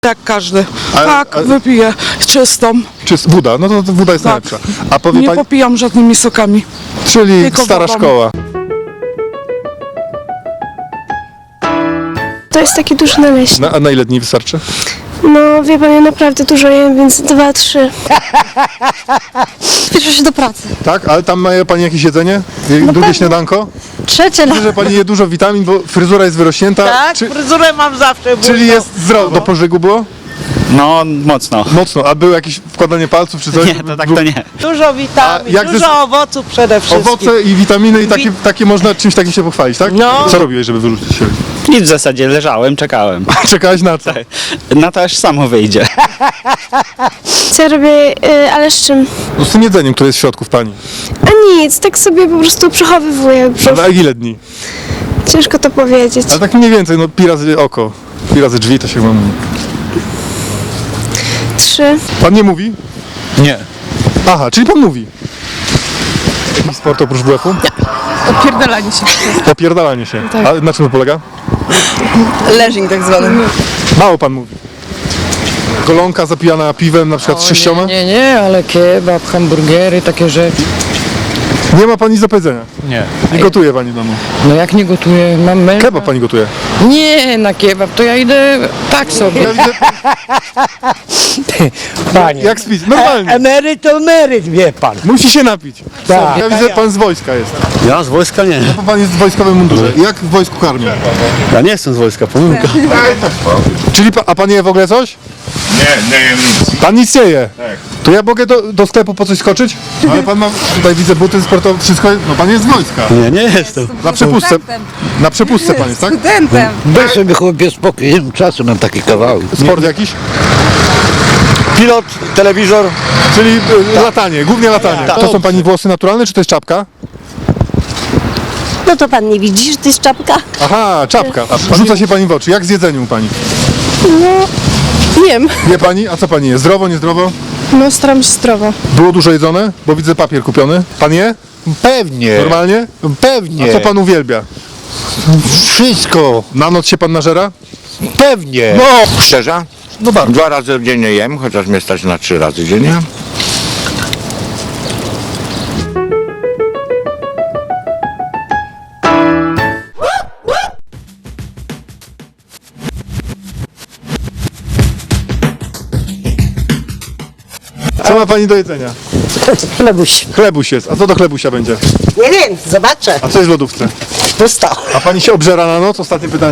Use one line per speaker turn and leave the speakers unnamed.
Jak każdy.
A-
Wypiję czystą.
Czy woda? No to woda jest
Tak.
najlepsza. A powie
Nie
pani,
popijam żadnymi sokami.
czyli
tylko
stara
wodą.
szkoła.
To jest taki duży naleśnik.
A na ile dni wystarczy?
No wie pan, ja naprawdę dużo jem, więc 2-3.
Spieszę się do pracy.
Tak? Ale tam ma pani jakieś jedzenie? Drugie śniadanko?
Trzecie
Widzę, że pani je dużo witamin, bo fryzura jest wyrośnięta.
Tak, fryzurę mam zawsze.
Czyli jest zdrowo. Do pożygu było?
No, mocno.
Mocno. A było jakieś wkładanie palców czy coś?
Nie, to tak to nie.
Dużo witamin,
A jak
dużo owoców przede wszystkim.
Owoce i witaminy i takie można czymś takim się pochwalić, tak?
No.
Co robiłeś, żeby wyrzucić się?
Nic w zasadzie, leżałem, czekałem.
Czekałeś na co?
Na to aż samo wyjdzie.
Co ja robię, ale z czym?
No z tym jedzeniem, które jest w środku w pani.
A nic, tak sobie po prostu przechowywuję brzuch.
Na ile dni?
Ciężko to powiedzieć.
Ale tak mniej więcej, no pi razy oko, pi razy drzwi to się chyba mówi.
3.
Pan nie mówi?
Nie.
Aha, czyli pan mówi. Jakiś sport oprócz WF-u?
Opierdalanie się.
Opierdalanie się. A na czym to polega?
Leżing tak zwany.
Mało pan mówi. Golonka zapijana piwem, na przykład z sześcioma?
Nie, ale kebab, hamburgery, takie rzeczy.
Nie ma pani nic do powiedzenia.
Nie.
Nie gotuje pani w domu.
No jak nie gotuję, mam męża.
Kebab pani gotuje.
Nie, na kebab, to ja idę tak sobie.
Ja widzę,
Panie,
jak spić, normalnie.
emeryt to emeryt, wie pan.
Musi się napić.
Tak.
Ja widzę, pan z wojska jest.
Ja z wojska nie.
Bo pan jest w wojskowym mundurze. Jak w wojsku karmią?
Ja nie jestem z wojska, pomyłka.
Czyli a pan je w ogóle coś?
Nie jem nic.
Pan nic nie je? To ja mogę do sklepu po coś skoczyć? Ale pan ma, tutaj widzę buty sportowe, wszystko, no pan jest z wojska.
Nie jestem.
Na przepustce, na przepustce pan jest, tak?
Studentem.
Weź sobie chłopie spokój, nie mam czasu na takie kawały.
Sport jakiś?
Pilot, telewizor.
Czyli latanie, głównie latanie. To są pani włosy naturalne, czy to jest czapka?
No to pan nie widzi, że to jest czapka?
Aha, czapka. Rzuca się pani w oczy. Jak z jedzeniem u pani?
Jem.
Wie pani? A co pani je? Zdrowo, niezdrowo?
No staram się zdrowo.
Było dużo jedzone? Bo widzę papier kupiony. Pan je?
Pewnie,
Normalnie?
pewnie.
A co pan uwielbia?
Wszystko,
Na noc się pan nażera?
pewnie.
No!
Szczerze?
No bardzo.
2 razy dziennie jem, chociaż mnie stać na 3 razy dziennie.
Co ma pani do jedzenia?
Chlebuś.
Chlebuś jest. A co do chlebusia będzie?
Nie wiem, zobaczę.
A co jest w lodówce?
Pusto.
A pani się obżera na noc? Ostatnie pytanie.